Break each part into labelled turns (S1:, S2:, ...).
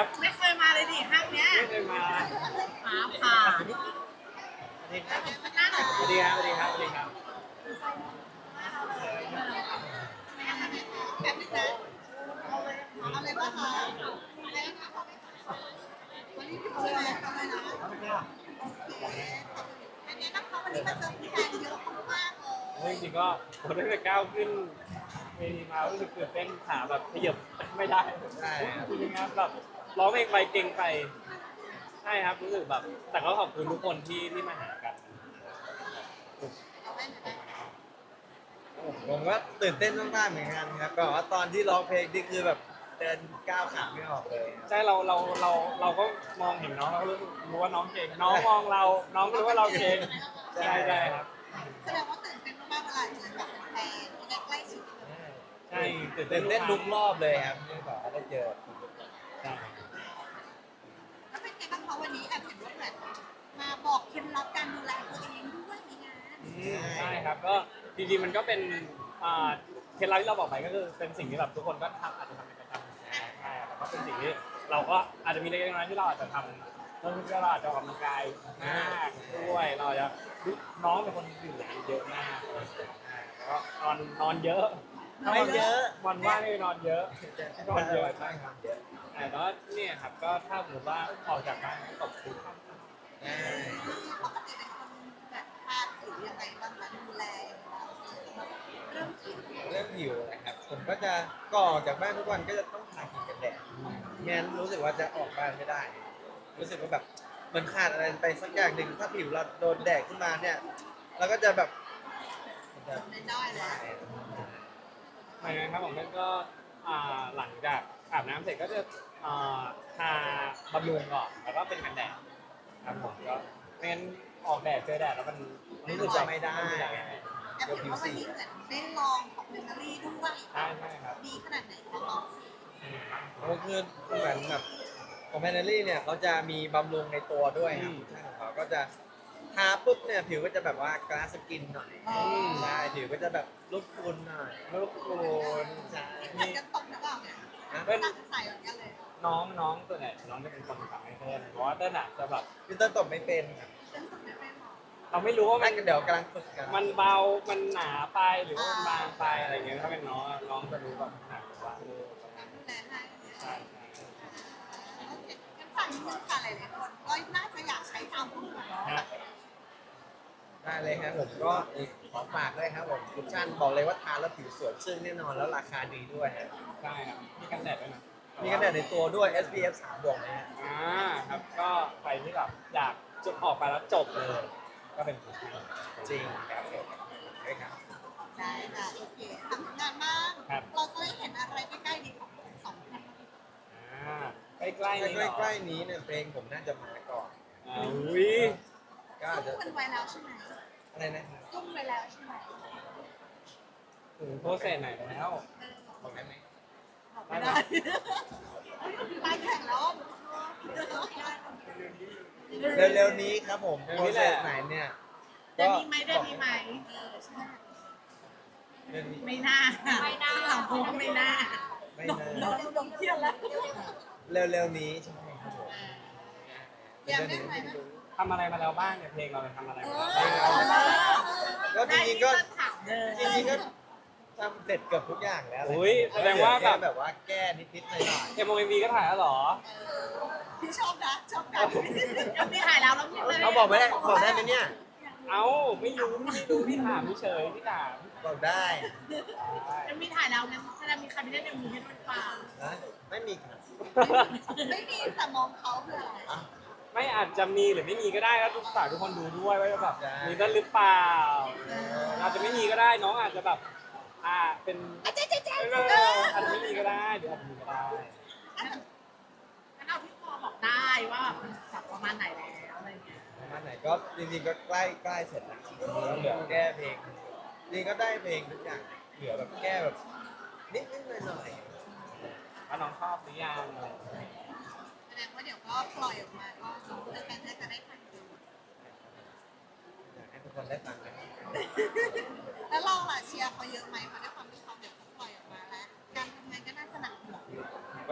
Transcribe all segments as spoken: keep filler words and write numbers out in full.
S1: ครับ
S2: ไม่เคยมาเลยดิห้างเนี้ย
S1: ไม่เคยมา
S2: ฟ้าผ่า
S1: สวัสดีครับ
S2: หน้าหน่อย
S1: สวัสดีครับสวัสดีครับสวัสดีครับ
S2: แบบนี้นะเอาอะไรบ้างคะวันนี้พี่เจออะไรทำอะไรนะอันนี้นะคะวันนี้มาเจอแฟนเยอะมากเลย
S1: เฮ้ยจริงๆก็ผมตั้งแต่ก้าวขึ้นเวทีมารู้สึกตื่นเต้นขาแบบขยับไม่ได้
S3: ใช่ครับ
S1: จริงๆครับแบบร้องเพลงไปเก่งไปใช่ครับรู้สึกแบบแต่ก็ขอบคุณทุกคนที่ที่มาหากัน
S3: ผมก็ตื่นเต้นมากๆเหมือนกันครับแบบว่าตอนที่ร้องเพลงนี่คือแบบเดินก้าวขาไม่ออกเลย
S1: ใช่เราเราเราเราก็มองเห็นน้องเราก็รู้รู้ว่าน้องเก่งน้องมองเราน้องก็รู้ว่าเราเก่งใช่ใช่ครับ
S2: แสดงว่าตื่นเต้นมากๆเวลาเจอกับแฟนใกล้ชิด
S1: ใช่ตื่นเต้
S3: ตื่
S1: น
S3: นเต้นทุกรอบเลยครับที่แบบว่าได้เจอ
S1: ใช่
S2: แล้วเป็นไงบ้างคะวันนี้แอบเห็นว่าเหมือนมาบอกเคล็ดลับการดูแลตัวเองด้วยในงาน
S1: ใช่ครับก็จริงๆมันก็เป็นอ่าเคล็ดลับที่เราบอกไปก็คือเป็นสิ่งที่แบบทุกคนก็ทำอาจจะทำเป็นประจำใช่แต่ก็เป็นสิ่งที่เราก็อาจจะมีเล็กๆน้อยๆที่เราอาจจะทำเราเราอาจจะออกกำลังกายมากด้วยเราจะน้องเป็นคนดื่มน้ำเยอะมากแล้วก็นอนนอนเยอะ
S3: ไม่เยอะ
S1: วันว่างนี่นอนเยอะนอนเยอะใช่ค
S3: ค
S1: รั
S3: รั
S1: บบ แต่ว่าเนี่ยครับก็ถ้าสมมติว่าออกจากบ้านก็ตกทุกข์
S3: ใช่
S2: ปกติเป็นคนแบบทานผิวยังไงบ้างคะดูแลยังไงบ้างเริ่มผิว
S3: เรื่องผิวนะครับผมก็จะก่อนออกจากบ้านทุกวันก็จะต้องทาครีมกันแดดไม่งั้นรู้สึกว่าจะออกบ้านไม่ได้ รู้สึกว่าแบบมันขาดอะไรไปสักอย่างหนึ่งถ้าผิวเราโดนแดดขึ้นมาเนี่ยเราก็จะแบบมันจะ
S2: ไม่ได้แล้ว
S1: ไม่นะครับผมก็อ่าหลังจากอาบน้ำเสร็จก็จะอ่าทาบำรุงก่อนแล้วก็เป็นกันแดดครับผมก็ไม่งั้นออกแดดเจอแดดแล้วมัน
S3: รู้สึกจะไม่ได้
S2: แอบเห็นว่าวันนี้เหมือนได้ลองของเบเกอรี่ด้วย
S1: ใช่ใช่ครับ
S2: ดีขนาดไหนคะลองสิ
S3: ก็คือเหมือนแบบของแพนเนอรี่เนี่ยเขาจะมีบำรุงในตัวด้วยครับใช่ของเขาก็จะทาปุ๊บเนี่ยผิวก็จะแบบว่ากลาสกินหน่อยใช่ผิวก็จะแบบลุกคุณหน่อย
S1: ลูกโคน
S3: ใช่
S2: เหมือนกันตกหรือเปล่าเนี่ย
S1: เป็น
S2: ตั้งใส่เหมือนกันเลย
S1: น้องน้องตัวไหนน้องจะเป็นคนทำให้เต้นเพราะว่าเต้นอ่ะจะแบบ
S3: พี่เต้นตบไม่เป็นครับ
S2: ฉันตกไม่เป็นหรอ
S1: เราไม่รู้ว่ามั
S3: นั่
S1: น
S3: นเดี๋ยวกำลังฝึกกัน
S1: มันเบามันหนาไปหรือว่ามันบางไปอะไรเงี้ยถ้าเป็นน้องอะน้องจะรู้แบบหนักว่าเออประมาณ
S2: ดูแลให้
S1: ใช่ใช่
S2: โอเคงั้นฝากนิดนึงค่ะหลายๆคนก็น่าจะอยากใช้ตามพวกเรา
S1: ฮะ
S3: ได้เลยครับผมก็ขอฝากด้วยครับผมคุชชั่นบอกเลยว่าทาแล้วผิวสวยซึ่งแน่นอนแล้วราคาดีด้วยฮะ
S1: ใช่ครับมีกันแดดด้วยนะ
S3: มีกันแดดในตัวด้วย เอส พี เอฟ สามบวกนะฮะ
S1: อ่าครับก็ใครที่แบบอยากจบออกไปแล้วจบเลย ก็เป็นผู้ชาย
S3: จริงครับผมใช่ครับ
S2: ได้ค่ะโอเคทำงานบ้างเราจะได้เห็นอะไรใกล้ๆดีของสองคน
S1: อ่าใกล้ๆนี้
S3: ใก
S1: เหร
S3: ล้
S1: อ
S3: ๆใกล้ๆนี้เนี่ยเพลงผมน่าจะมาก่อน
S1: อ่าอุ้ย
S3: ก็อาจ
S2: ซุ่
S3: จะ
S2: มกันไว้แล้วใช่ไหม
S3: อะไรนะครับ
S2: ซุ่มไว้แล้วใช่ไหม
S1: ถึงโปรเซสไหนแล้ว
S3: บอกได้ไหม
S2: บอกไม่ได้ไปแข่งแล้ว
S3: เร็วๆนี้ครับผมโปรเซสไหนเนี่ย
S2: เดือนนี้ไหมเดือนนี้ไหมเออใช่
S3: เดือนนี้
S2: ไม่น่าไม่น่าหลังพูดไม่น่า
S3: ไม่
S2: โด
S3: นาน
S2: โดนโดนเที่ยวแล้ว
S3: เร็วๆนี้ใช่ครับผม
S2: ยังได้ไหมนะ
S1: ทำอะไรมาแล้วบ้างเนี่ยเพลงเราเนี่ยทำอะไร
S2: เอ
S1: มาแล้ว
S2: อ
S1: บ้าง
S3: ก็จริงๆก็
S2: ถามเลย
S3: จริงๆก็ทำเสร็จเกือบทุกอย่างแล้ว
S1: อุ้ยแสดงว่าแบบ
S3: แบบว่าแก้นิดๆหน่อย
S1: เอ็มโอเอ็มวีก็ถ่ายแล้วเหรอ
S2: พี่ชอบนะชอบกันยังไม่ถ่ายแล้วแล้วพี่เลย
S3: ๆเขาบอกไม่ได้บอกได้ไหมเนี่ย
S1: เอ้าไม่รู้ไม่รู้พี่ถามเฉยพี่ถาม
S3: บอกได้
S2: ยังมีถ่ายแล้วงั้นแสดงมีใครไม่ได้เอ็มวีให้ด้วยเปล่า
S3: นะไม่มีครับ
S2: ไม่มีแต่มองเขาเพื่ออะไร
S3: อ่ะ
S1: ไม่อาจจะมีหรือไม่มีก็ได้แล้วทุกฝากทุกคนดูด้วยว่าแบบมีกันหรือเปล่าอาจจะไม่มีก็ได้น้องอาจจะแบบอ่าเป็น
S2: เจ๊เจ๊เจ๊
S1: เอออาจจะไม่มีก็ได้หรืออาจจะมีก็ได้
S2: งั้นเอาที่พอบอกได้ว่ามันสับประมาณไหนแล้วอะไรเงี้ย
S3: ประมาณไหนก็จริงๆก็ใกล้ใกล้เสร็จแล้วแล้วเหลือแก้เพลงจริงก็ได้เพลงทุกอย่างเหลือแบบแก้แบบนิดๆหน่อย
S1: ว่าน้องชอบหรือยังอะไรอย่างเงี้ย
S2: แสดงว่าเดี๋ยวก็ปล่อยออกมาก็สมมติแฟนๆจะได้ทันดู
S3: ๆอยากให้ทุกคนได้ฟังกัน
S2: แล้วเราล่ะเชียร์เขาเยอะไหมเพราะด้วยความที่เขาเดี๋ยวเขาปล่อยออกมาแล้วการทำงานก็น่าจะหนักหน่วง
S1: ก็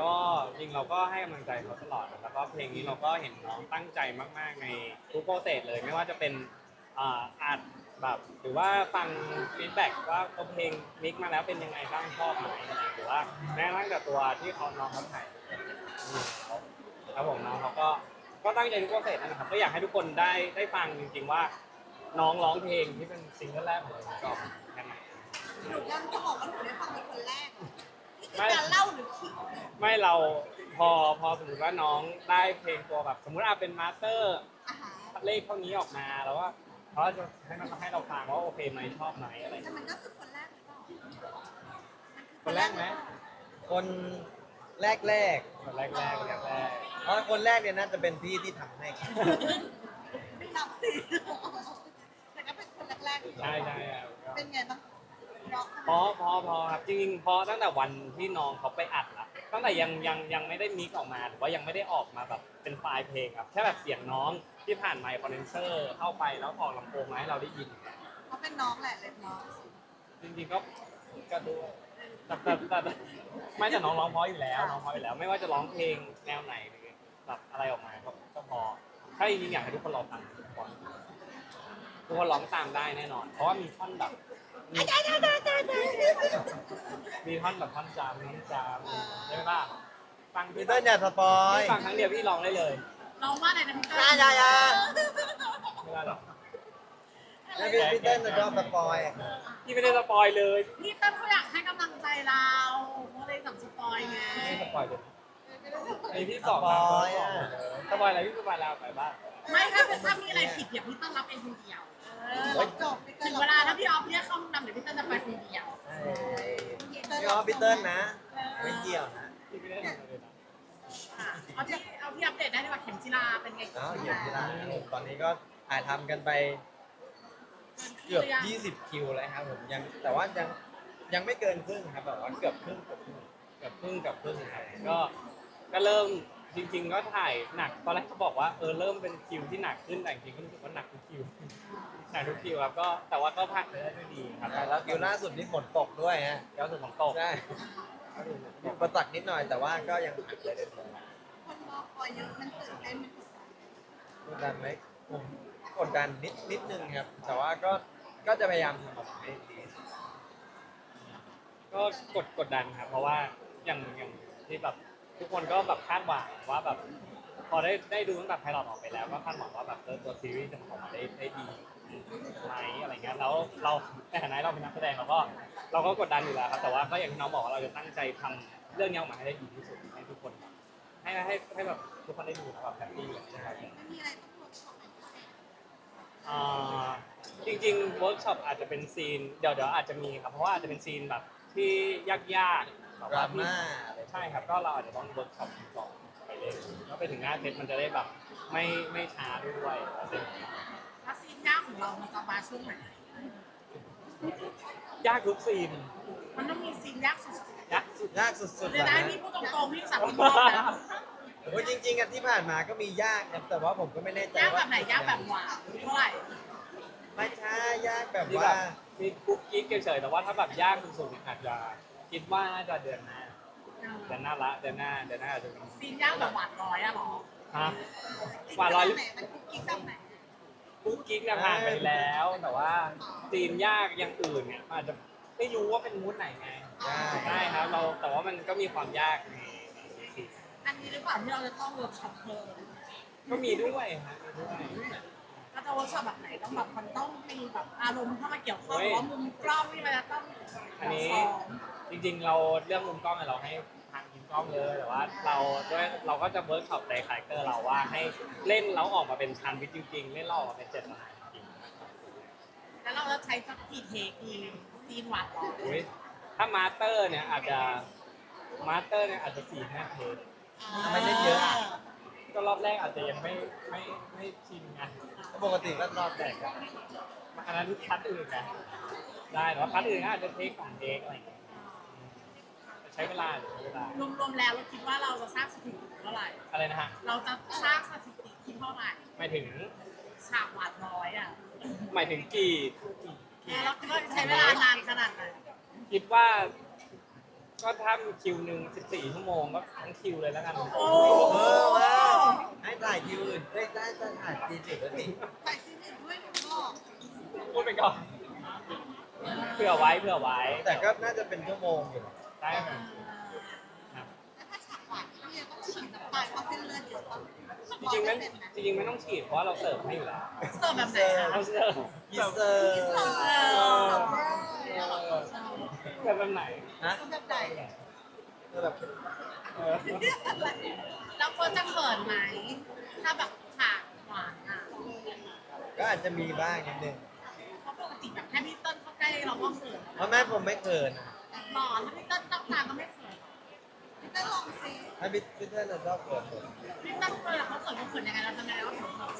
S1: ก็จริงเราก็ให้กำลังใจเขาตลอดนะแล้วก็เพลงนี้เราก็เห็นน้องตั้งใจมากๆในทุกโปรเซสเลยไม่ว่าจะเป็นอ่าอัดแบบหรือว่าฟังฟีดแบ็กว่าเอาเพลงมิกมาแล้วเป็นยังไงบ้างชอบไหมหรือว่าแม้กระทั่งแต่ตัวที่เขาน้องเขาถ่ายครับผมน้องเขาก็ก็ตั้งใจทุกโปรเซสนั่นแหละครับก็อยากให้ทุกคนได้ได้ฟังจริงๆว่าน้องร้องเพลงที่เป็นซิงเกิลแรกของเราก็ยังไง
S2: หนูยังจะบอกว่าหนูได้ฟังเป็นคนแรกนี่คือการเล่าหรือคิดเนี่ย
S1: ไม่เราพอพอสมมติว่าน้องได้เพลงตัวแบบสมมติอาเป็นมาสเตอร์
S2: อาหาร
S1: เลขเท่านี้ออกมาแล้วว่าเขาจะให้มันให้เราฟังว่าโอเคไหมชอบไหมอะไร
S2: แต่มันก็คือคนแรกหรือเปล่า
S1: คนแรกไหม
S3: คนแรกแรก
S1: คนแรกแรกแรกแรก
S3: ๆเพราะคนแรกเนี่ยน่าจะเป็นพี่ที่ทำให้ครับ
S2: ไม่นับสิแต่ก็เป็นคนแรกๆ
S1: ใช่ใช่ครับ
S2: เป็นไงบ้างเนาะ
S1: พอพอพอครับจริงๆพอตั้งแต่วันที่น้องเขาไปอัดละตั้งแต่ยังยังยังไม่ได้มิกซ์ออกมาหรือว่ายังไม่ได้ออกมาแบบเป็นไฟล์เพลงครับแค่แบบเสียงน้องที่ผ่านไมค์คอนเดนเซอร์เข้าไปแล้วออกลำโพงมาให้เราได้ยิน
S2: เขาเป็นน้องแหละเล็กน้อง
S1: จริงๆก็ก็ด้วยแต่แต่แต่แต่ไม่แต่น้องร้องเพราะอยู่แล้วน้องเพราะอยู่แล้ว ไม่ว่าจะร้องเพลงแนวไหนหรือแบบอะไรออกมาก็ก็พอถ้าจริงๆอยากให้ทุกคนรอฟังทุกคนทุกคนร้องตามได้แน่นอน เพราะว่ามีท่อนแบบมีมีท่อนแบบท่อนจามท่อนจามใช่ไหมป่ะฟัง
S3: พี่
S1: พี่
S3: เต้นอย่าสปอย
S1: ฟังครั้งเดียวพี่ร้องได้เลย
S2: น้องว่าอะไรนะพี่
S3: อย่าอย่าอย่า
S1: ไม่ได้หรอก
S3: แล้วพี่พี่เต้นจะชอบสปอย
S1: พี่ไม่ได้สปอยเลย
S2: พี่เต้นเขาอยากให้กำลังใจเราเขาเลยสั่งสปอยไง
S1: ไม่สปอยเลยไอพี่สองมาสปอยอะไรพี่สปอยแล้วไปบ้าง
S4: ไม่ถ้าถ้ามีอะไรผิดเดี๋ยวพี่ต้นรับเองคนเดียว
S2: เออจบพี่เต้
S4: ถึ
S2: น
S4: งเวลาถ้าพี่ออฟเรียกเข้าห้องดำเดี๋ยวพี่ต้นจะไปคนเดียว
S3: พี่ออฟพี่เต้นนะ ไม่เกี่ยวนะ
S1: พี่ไม่ได้ทำอะไรเลยนะ
S4: ค่ะเอาที่เอาที่อัปเดตได้ดีกว่าเข็มจีราเป็นไง
S3: เอ้าเหยียบที่ร้านครับผมตอนนี้ก็ถ่ายทำกันไปเกือบยี่สิบคิวแล้วครับผมยังแต่ว่ายังยังไม่เกินครึ่งครับแบบว่าเกือบครึ่งเกือบครึ่ง
S1: กับพึ่งกับพึ่งครับก็ก็เริ่มจริง ๆ ก็ถ่ายหนักตอนแรกเขาบอกว่าเออเริ่มเป็นคิวที่หนักขึ้นแต่จริงๆก็รู้สึกว่าหนักทุกคิวหนักทุกคิวครับก็แต่ว่าก็ผ่านไปได้ด้วยดีครับ
S3: แล้วคิวล่าสุดนี่ฝนตกด้วยฮะ
S1: แล้วสุดของโตก
S3: ใช่มีอุประตักนิดหน่อยแต่ว่าก็ยังผ่านไปได้ดี
S2: คนรอคอยเยอะมันตื่นเต้นมันกดดัน
S3: กดดันไหมผมกดดันนิดนิดนึงครับ แต่ว่าก็ก็จะพยายามทำออกมาให้ดี
S1: ก็กดกดดันครับเพราะว่าอย่างอย่างที่แบบทุกคนก็แบบคาดหวังว่าแบบพอได้ได้ดูตั้งแต่ไพลอตออกไปแล้วก็คาดหวังว่าแบบเออตัวซีรีส์จะออกมาได้ได้ดีไหมอะไรเงี้ยแล้วเราในฐานะเราเป็นนักแสดงเราก็เราก็กดดันอยู่แล้วครับแต่ว่าก็อย่างที่น้องบอกว่าเราจะตั้งใจทำเรื่องนี้ออกมาให้ได้ดีที่สุดให้ทุกคนให้ให้ให้แบบทุกคนได้ดูแล้วแบบแฮปปี้นะครับ
S2: ไม่มีอะไรต้องเวิร์กช็อปเป็นพิเศษ
S1: อ่าจริงๆเวิร์กช็อปอาจจะเป็นซีนเดี๋ยวเดี๋ยวอาจจะมีครับเพราะว่าอาจจะเป็นซีนแบบที่ยากๆแบบ
S3: ดรา
S1: ว่าที่
S3: ม่า
S1: ใช่ครับก็เราอาจจะต้องเวิร์กช็อปก่อนไปเล่นแล้วไปถึงหน้าเซตมันจะได้แบบไม่ไม่ช้าด้วยอะไรอย่างเงี้ย
S4: ถ้าซีนยากของเรามันจะมาช่วงไหน
S1: ยากทุกซีน
S4: มันต้องมีซีนยากสุด
S1: ยากสุด
S3: ยากสุด
S4: ๆ
S3: ๆ
S4: เดี๋ยว
S3: นะ
S4: ได้พี่พูดตรงๆพี่สามพี่บอกแล้ว
S3: โอ้ยจริงๆอะที่ผ่านมาก็มียากนะแต่ว่าผมก็ไม่แน่ใจ
S4: ยากแบ
S3: ว่า
S4: บไหนยากแบบหวานเท่าไหร่
S3: ไม่ใช่ยากแบบ
S1: ที่แบ
S3: ว่า
S1: บมีกุ๊กกิ๊กเฉยๆแต่ว่าถ้าแบบยากสุดๆเนี่ยอาจจะคิดว่าน่าจะเดือนหน้าเดือนหน้าละเดือนหน้าเดือนหน้าอาจจะมี
S4: ซีนยากแบบหวานน้อยอะหรอ
S1: ฮะกว่าร้อย
S2: ไหนมันคุกกิ๊กแบบไหน
S1: กุ๊กกิ๊กเนี่ยผ่านไปแล้ว แต่ว่าซีนยากอย่างอื่นเนี่ยมันอาจจะไม่รู้ว่าเป็นมูดไหนไง
S3: ใช่
S1: ใช่ครับเราแต่ว่ามันก็มีความยากในในซีน
S4: อันนี้หรือเปล่าที่เราจะต้องเวิร์กช็อปเพิ่ม
S1: ก็มีด้วยฮะมีด้วย
S4: เราจะเวิร์กช็อปแบบไหนต้องแบบมันต้องมีแบบอารมณ์เข้ามาเกี่ยวข้องหรือว่ามุมกล้องที่มันจะต้อง
S1: อันนี้
S4: ซ้อม
S1: จริงๆ เราเรื่องมุมกล้องเนี่ยเราให้ทางทีมกล้องเลยแต่ว่าเราด้วยเราก็จะเวิร์กช็อปในคาแรคเตอร์เราว่าให้เล่นแล้วออกมาเป็นชันวิทจริง ๆ เล่นแล้วออกมาเป็นเจตนาจริง
S4: แล้วเราจะใช้สักกี่เทคดีซีนหวานร้อย
S1: ๆอุ๊ยถ้ามาสเตอร์เนี่ยอาจจะมาสเตอร์เนี่ยอาจจะสี่ห้าเทป
S3: ทำไมเล่นเยอะอะ
S1: ก็รอบแรกอาจจะยังไม่ไม่ไม่ชินไง
S3: ปกติก็รอบแรกอะ
S1: อันนั้นพัดอื่นไงได้แต่ว่าพัดอื่นก็อาจจะเทคสองเทคอะไรอย่างเงี้ยใช้เวลาใช้เวลาร
S4: วมๆแล้วเราคิดว่าเราจะสร้างสถิติเท่าไหร่
S1: อะไรนะฮะ
S4: เราจะสร้างสถิติที่เท่าไหร่
S1: หมายถึง
S4: ฉากหวานน้อยอ่ะ
S1: หมายถึงกี่กี่กี่
S4: แล้วก็ใช้เวลานานขนาดไหน
S1: คิดว่าก็ถ้ามีคิวหนึ่งสิบสี่ชั่วโมงก็ทั้งคิวเลยแล้วกัน
S4: โอ้
S3: เออว้าวให้ถ่ายคิวอื่นได้ได้ได้ถ่ายตีสิบแล้วนี่
S2: ถ่ายซีรีส์ด้วยหนูบอก
S1: พูดไปก่อนเผื่อไว้เผื่อไว้
S3: แต่ก็น่าจะเป็นชั่วโมงอยู่
S1: ได้ไหมครับ
S2: แล้วถ้าฉากหวานพี่ยังต้องฉีดน้ำตาลเพราะเส้นเลือดเยอะปะ
S1: จริงๆไม่จริงๆไม่ต้องฉีดเพราะว่าเราเสิร์ฟให้อยู่แล้ว
S4: เสิร์ฟแบบไหนคะ
S1: เราเสิร์ฟ
S3: อีเซอร์
S2: เสิร์ฟ
S1: เอ
S2: เสิร์ฟ
S1: อแบบแบบไหน
S3: นะ
S2: แบบไหน
S3: เออแบบ
S1: เออ
S4: แล้วเฟิร์สจะเขินไหมถ้าแบบฉากหวานอ่ะ
S3: ก็อาจจะมีบ้างนิดนึง
S4: เพราะปกติแบบแค่พี่เติ้ลเข้าใกล้เราก็เขิน
S3: เพราะแม่ผมไม่เขิน
S4: หล่อถ้าพี่เติ้ลตั้งตาก็ไม่เขิน
S2: พี่เต้นลองสิ
S3: ถ้าพี่พี่เต้นจะชอบเขินผม
S4: พี่เติ้ลเวลาเขาเขินเขาเขินยังไงเราทำไงเราถึงเขิน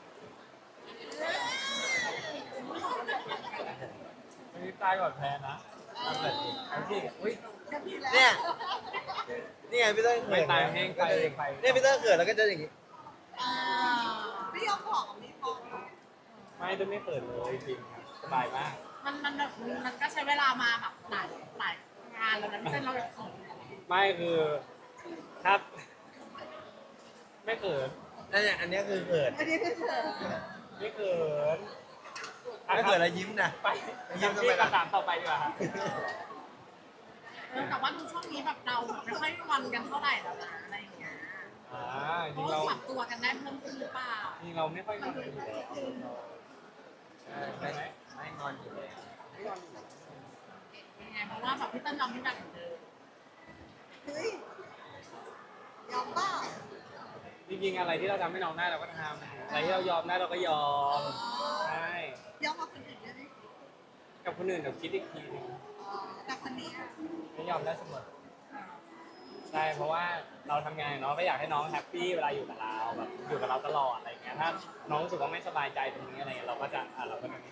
S1: วันนี้ตายก่อนแพ้นะ
S3: ทำแบบนี้
S1: เอาสิอุ้ย
S2: จะพี่แล้ว
S3: เนี่ยนี่ไงพี่เต้นเขิน
S1: ไม่ตายแห้งไป
S3: ก็จะอย่าง
S1: ไป
S3: เนี่ยพี่เต้นเขินแล้วก็จะอย่างนี้
S4: อ่า
S2: ไม่ยอมบอกกับพี่พอ
S1: ไม่ต้องไม่เปิดเลยจริงครับสบายมาก
S4: มันมันแบบมันก็ใช้เวลามาแบบหลายหลายงานแล้วนะพี่เติ้ลเราแบบเขิน
S1: ไม่คือครับ ไม่เขิน
S3: นั่นเนี่ยอันเนี้ยคือเขิน
S2: อันนี้คือเธอ
S1: ไม่เขิน
S3: ไม่เขินแล้วยิ้มนะ
S1: ไป
S3: ยิ้มทำไม
S1: ที่
S3: ล่ะ
S1: คำถามต่อไปดีกว่าครับ
S4: เออแต่ว่าดูช่วงนี้แบบเราแบบไม่ค่อยงอนกันเท่าไหร่แล้วนะอะไรอย่างเงี้ย
S1: อ่าจ
S4: เพ
S1: ริง
S4: ราะ
S1: เรา
S4: ว่าปรับตัวกันได้เพิ่มขึ้นหรือเปล่า
S1: จริงเราไม่ค่อยงอนกันอยู่แล้วใช่ไหม
S3: ไม่งอนอยู่แล้ว
S1: ไม่งอนอยู่แล้ว
S4: ยังไงเพราะว่าแบบพี่เติ้ลยอมพี่แบบเหมือนเดิม
S2: เฮ้ยยอมเปล่า
S1: จริงๆอะไรที่เราทำให้น้องได้เราก็ทำอะไรที่เรายอมได้เราก็ยอมใช่
S2: ยอมกับคนอื่นได้ไหม
S1: กับคนอื่นเดี๋ยวคิดอีกทีนึง
S2: อ๋อแต่คนนี้อะ
S1: ไม่ยอมได้เสมอใช่เพราะว่าเราทำงานเนาะก็อยากให้น้องแฮปปี้เวลาอยู่กับเราแบบอยู่กับเราตลอดอะไรอย่างเงี้ยถ้าน้องรู้สึกว่าไม่สบายใจตรงนี้อะไรเงี้ยเราก็จะอ่ะเราก็จะ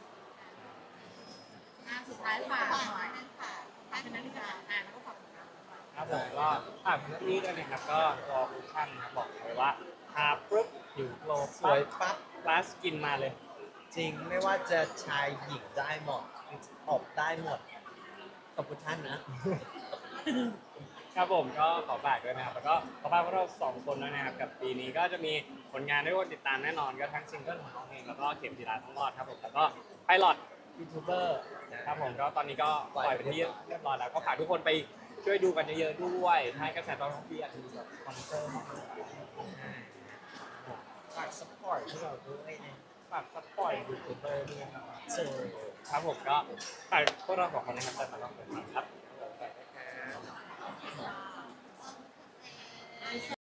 S4: อ่ะสุดท้ายฝาก
S2: ฝาก
S4: หน่อย
S2: นั่นค่ะ
S4: ฝากเป็นนักวิชาการแล้วก็ฝากผลงานด้วย
S1: ครับผมก็ฝากพื้นที่ด้วยนะครับก็รอคูชั่นนะครับบอกเลยว่าทาปุ๊บผิวโกลว์
S3: สวยปั๊บ
S1: กลาสกินมาเลย
S3: จริงไม่ว่าจะชายหญิงได้หมดออกได้หมดขอบคุณท่านนะ
S1: ครับผมก็ขอฝากด้วยนะครับแล้วก็ขอฝากพวกเราสองคนด้วยนะครับกับปีนี้ก็จะมีผลงานให้ทุกคนติดตามแน่นอนก็ทั้งซิงเกิลของน้องเองแล้วก็เข็มจีราทั้งรอดครับผมแล้วก็ไพลอตยูทูบเบอร์ครับผมก็ตอนนี้ก็ปล่อยไปที่เรียบร้อยแล้วก็ฝากทุกคนไปช่วยดูกันเยอะๆด้วยให้กระแสตอบรับดีอาจจะมีแบบสปอนเซอร์มาด้วย
S3: ฝากสปอร์ตให้เราด้วยนะ
S1: ฝากซัพพอร์ตยูทูบเบอร์ด้วยนะครับ
S3: เจอ
S1: ครับผมก็ฝากพวกเราสองคนนะครับแต่มาลองกันครับ